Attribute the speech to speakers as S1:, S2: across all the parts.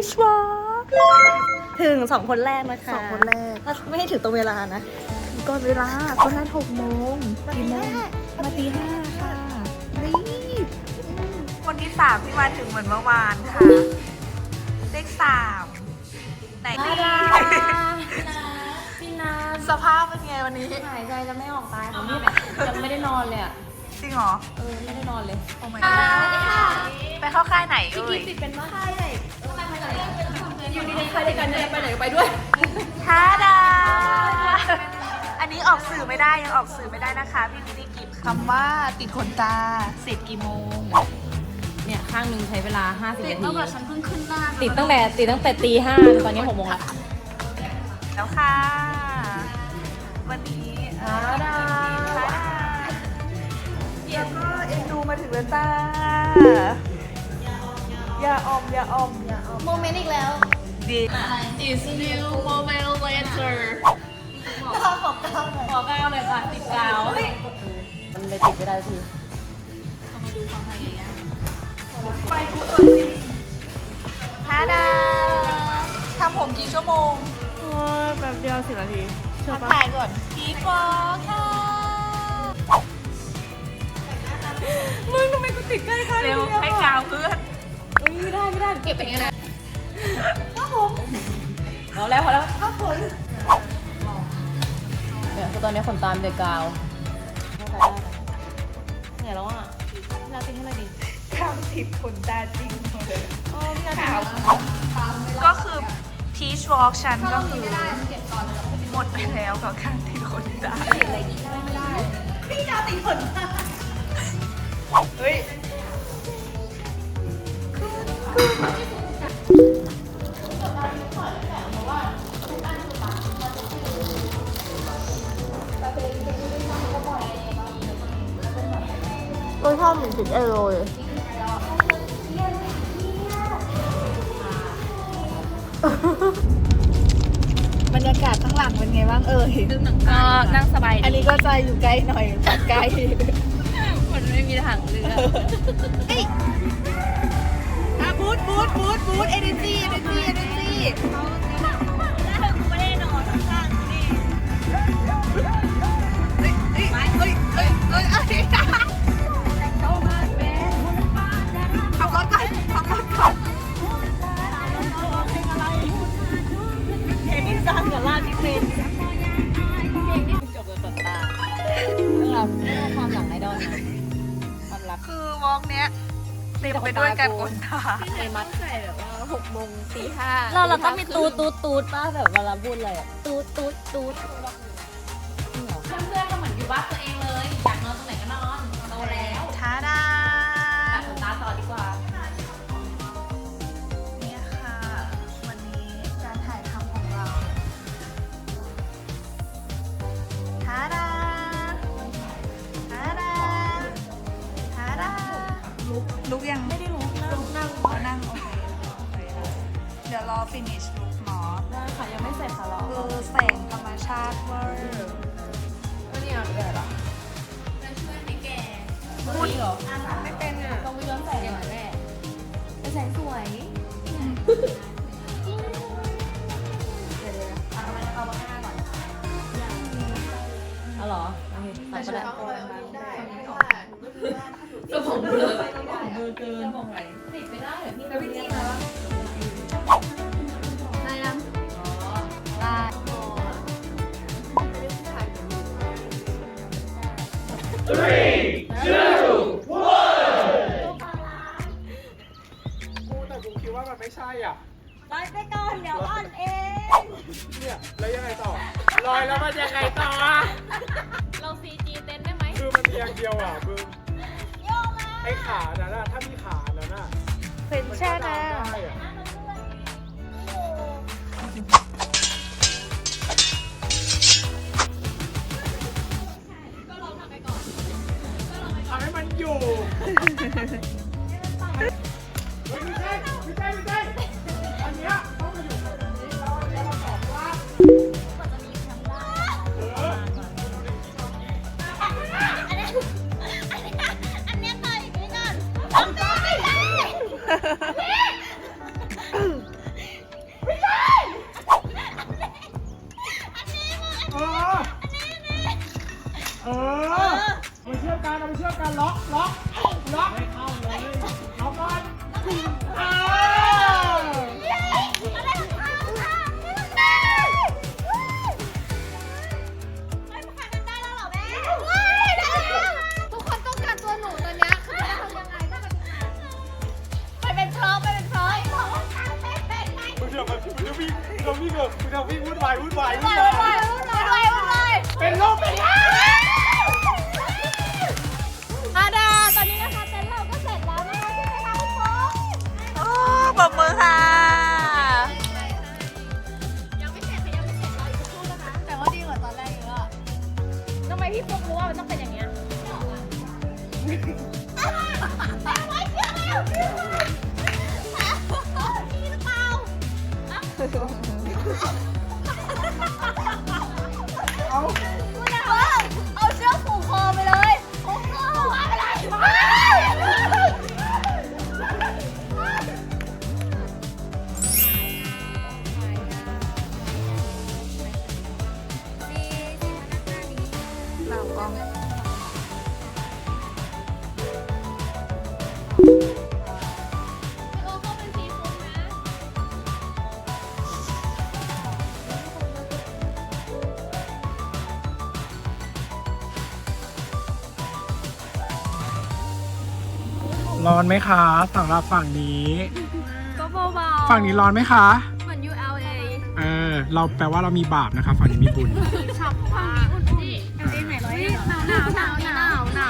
S1: ชวอล์กถึง2 คนแรกนะคะ
S2: 2 คนแรก
S1: ไม่ให้ถึงตรงเวลานะ
S2: ก่อนเวลาก็นัด6 โมงกี่โมงมาตี 5ค่ะรีบคนที่3ที่มาถึงเหมือนเมื่อวานค่ะเลข3ไหนดี
S1: พี่นา
S2: สภาพเป็นไงวันนี้
S1: หายใจจะไม่ออกตายค่ะพี่ยังไม่ได้นอนเลยอ่ะ
S2: จริงเหรอ
S1: ไม่ได้นอนเลย
S2: โอ้ my god ไปเข้าค่ายไหนเอ่ย
S1: ติดเป็นว่าใครไหนอยู่ดีๆใครด้วยกันเนี่ยไปไหนก็ไปด้วย
S2: ท้าดา อันนี้ออกสื่อไม่ได้ยังออกสื่อไม่ได้นะคะพี่มินิกิฟคำว่าติดขนตาเสร็จกี่โมง
S1: เนี่ยข้างนึงใช้เวลา50 นาที
S2: ตั้งแต่ฉันเพิ่งขึ้นบ้าน
S1: ติดตั้งแต่ตี 5ตอนนี้6 โมงละ
S2: แล้วค่ะ วันนี้ท้าดาแล้วก็เอ็นดูมาถึงแล้วจ้าอย่าอมอย่าอมอย่าอม
S1: โมเมนต์อีกแล้ว
S2: ดี
S1: It's new moment later ขอก้าวหน่อยค่ะติดกาวมันเลยติดไม่ได้ที
S2: ท้าดาทำผมกี่ชั่วโมง
S1: แบบเดียว10 นาที
S2: มาถ่ายก่อนพีฟอค่ะ
S1: มึงทำไมกูติดใกล้ค่ะ
S2: เร็วให้กาวเพื่อน
S1: ไม่ได้เก็บอย่างนี้นะพอแล้วเนี่ยคือตอนนี้ขนตามเด็กกาวเนี่ยแล้วอ่ะพี่นาติดให้หน่อยดิ
S2: ทำผิดขนตาจริงเลย
S1: พี่นา
S2: ขาวก็คือทีชวอล์กฉันก็คือหมดไปแล้วกับการติดขนตาพี่ดาวติดขนตาเฮ้ย
S1: รสชาติเหมือนติดเอโรเลย
S2: บรรยากาศข้างหลังเป็นไงบ้างเอ่ย
S1: ก็นั่งสบาย
S2: อันนี้ก็จะอยู่ใกล้หน่อยปัดใกล้
S1: มันไม่มีถังเรือ
S2: บูทเอเนจีขับรถก่อนเพลงที่สร้างกับลาดที่เป็น
S1: จบกับขนตาเรื่องราวความหลังไอดอลนะความรัก
S2: คือวอล์กเนี้ยเต็มไปด้วยการกดตา
S1: ไอ้มัดใส่แบบว่า6 โมงตี 5เราต้องมีตูดป้าแบบเวลาพูดอะไรอะตูด
S3: เพื่อนๆก็เหมือนอยู่บ้านตัวเองเลย อยากนอนตรงไหนก็นอนโตแล้ว
S2: ท้าดา
S3: ตัดขนตาต่อดีกว่า
S2: เนี่ยค่ะ วันนี้การถ่ายทำของเราท้าดาลุกยังไม่ได้ลุกนั่งโอเคเดี๋ยวรอ finish ลุกเนาะ
S1: ได้ค่ะยังไม่เสร็จค่ะเรา
S2: คือแสงธรรมชาติเวอร์
S1: ก็เนี่ยแบบอ่ะ
S2: พูดเหรอ
S1: ไม่เป็นอ่ะต้องไปย้อนแสงหน่อยแม่แต่แสงสวยเอาเหรอโอเคตัดก็ได้สมองเบลอเกินติดไม่ได้เหรอพี่แล้วพี่จี้มาปะได้ยังอ๋อได้
S4: แต่กูคิดว่ามันไม่ใช่อ่ะ
S1: ลอยไปก่อนเดี๋ยวอ่อนเอง
S4: เนี่ย แล้วยังไงต่อ ลอยแล้วมันยังไงต่ออ่ะ
S1: เรา CG เต้นได้ไหม
S4: คือมันมีอย่างเดียวอ่ะมึงไอ้ขานั้นอ่ะ ถ้ามีขานั้นอ่ะ
S2: เป็น
S4: มัน
S2: แช่
S4: ก็
S2: น้
S4: ดามได้อ่ะ เอาให้มันอยู่ เฮ้ยไม่ใช่ อันเนี้ยต้องมาอยู่แบบนี้แล้วมาสอบว่ากันล็อกไม่เข้าเลยล็อกก่อนอ้าว
S1: ทุกคนต้องการตัวหนูตอนนี้คือจะทำยังไงถ้ามันไปเป็นพร้อม
S4: คุณเดี๋ยววิ่งวุ่นวายเป็นโรคเป็นลา
S1: อาดาตอนนี้นะคะเต็นท์เราก็เสร็จแล้วนะคะใช่ไหมคะทุกคน
S2: โอ้ปรบมือค่ะ
S1: ยังไม่เสร็จรออีกสักครู่นะคะแต่ว่าดีกว่าตอนแรกเยอะทำไมพี่ฟุ๊กรู้ว่ามันต้องเป็นอย่างเงี้ยเอาเชือกผูกคอไปเลยผูกคอไปเลย
S2: เรากล้อง
S1: โอ้ก็เป็นซีฟู้ดนะ
S4: ร้อนไหมคะสำหรับฝั่งนี้
S1: ก็เบาๆ
S4: ฝั่งนี้ร้อนไหมคะ
S1: เหมือน ULA
S4: เราแปลว่าเรามีบาปนะคะฝั่งนี้มีบุญ
S1: ช็อปฝั่งนี้อุ่นดิไหนร้อยหนาว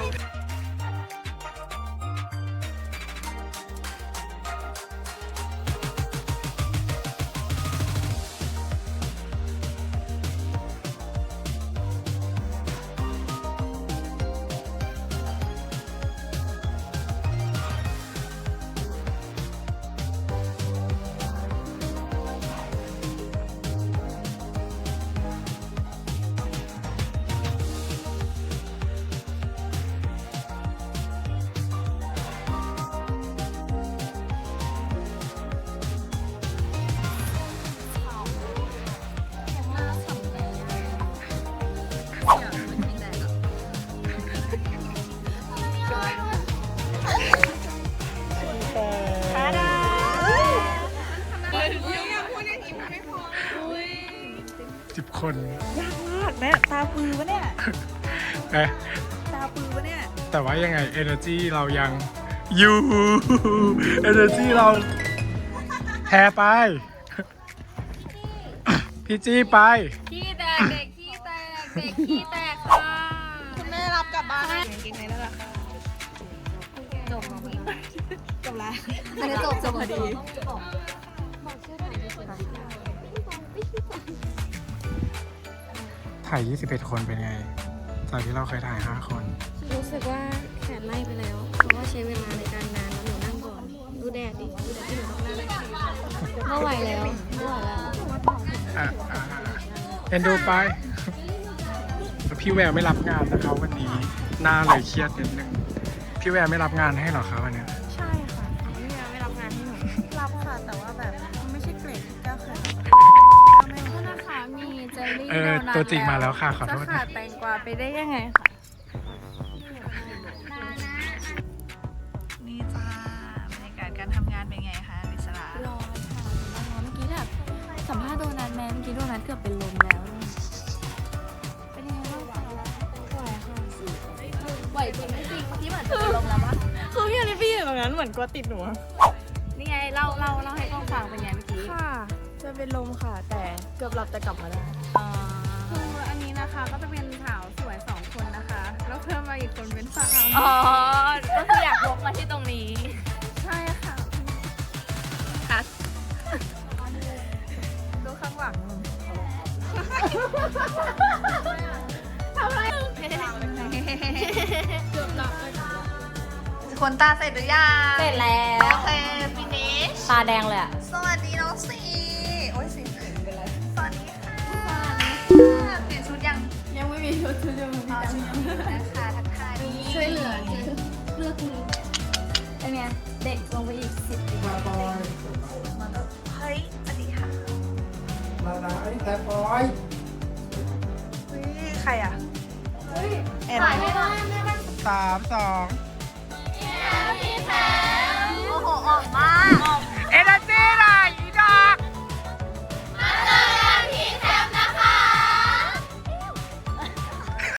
S4: 10 คน
S2: ยากมากแม่ตาปือปะเนี่ย ตาปือปะเนี่ย
S4: แต่ว่ายังไง energy เรายังอยู่ energy เราแพ้ไป พี่จี้ไป
S1: ขี้แตกเด็กขี้แตกค่ะ
S2: คุณแม่รับกลับบ้านได้จริงๆเลยแล้วล่ะจบแล้ว
S1: อันนี้จบพอดี
S4: ถ่าย 21 คนเป็นไง จากที่เราเคยถ่าย 5 คน
S5: รู้สึกว่าแขนไล่ไปแล้ว เพราะว่าใช้เวลาในการนานแล้วหนูนั่งก่อน ดูแดดดิดูแดดที่หนูต้องนั่งไม่ไหวแล้วไม่ไหวแล้ว
S4: เอ็นดูไปแล้วพี่แววไม่รับงานนะคะวันนี้หน้าเลยเครียดนิดนึง พี่แววไม่รับงานให้หรอคะวันเนี้ย
S2: ใช่ค่ะไม่รับงานให้หนูรับค่ะ แต่ว่าแบบไม่ใช่เกรดที่ก้าวเคยรับ
S1: โทษนะคะมีเจลลี่
S4: ตัวจริงมาแล้วค่ะขอโทษ
S1: จะขา
S4: นะ
S1: ดแตงกวาไปได้ยังไงคะ
S2: นี่จ้าบรรยากาศการทำงานเป็นไงคะวิศรา
S5: ร้อนค่ะร้อนเมื่อกี้แบบสัมภาษณ์โดนัทแม่เมื่อกี้โดนัทเกือบเป็นลมแล้วเป็นยังไงบ้างคะไหวค่ะ
S1: ไหวจริงไม่จริงเมื่อกี้เหมือนจะเป็นลมแล้วปะ
S2: คือพี่อลิฟี่อยู่ตรงนั้นเหมือนกลัวติดหนู
S1: นี่ไงเล่าให้กล้องฟังเป็นไงเมื่อกี้
S2: ค่ะ จะเป็นลมค่ะ แต่เกือบหลับแต่กลับมาได้
S6: คืออันนี้นะคะก็จะเป็นสาวสวย2 คนนะคะ แล้วเพิ่มมาอีกคนเป็นสาว
S1: อ๋อ ก็คืออยากวกมาที่ตรงนี้
S6: ใช่ค่ะ
S2: ดูข้างหลัง คนตาเสร็จหรือยัง
S1: เสร็จแล้ว
S2: โอเคฟินิช
S1: ตาแดงเลยอะ
S2: สวัสดีน้องสีโอ้ยสีเป็นไรสวัสดีค่ะเปลี่ยนชุดยัง
S6: ยังไม่มีชุดชุดเดียว
S2: อ๋อนะคะทักทาย
S1: ช่วยเหลือเลือกคุณเป็นไงเด็กลงไปอีก10 ปี
S2: เฮ้ยสวัสดีค่ะ
S4: แต่ปอย
S2: ใครอ่ะแอน
S1: ถ่ายไม่ได้
S2: ต
S4: 3 2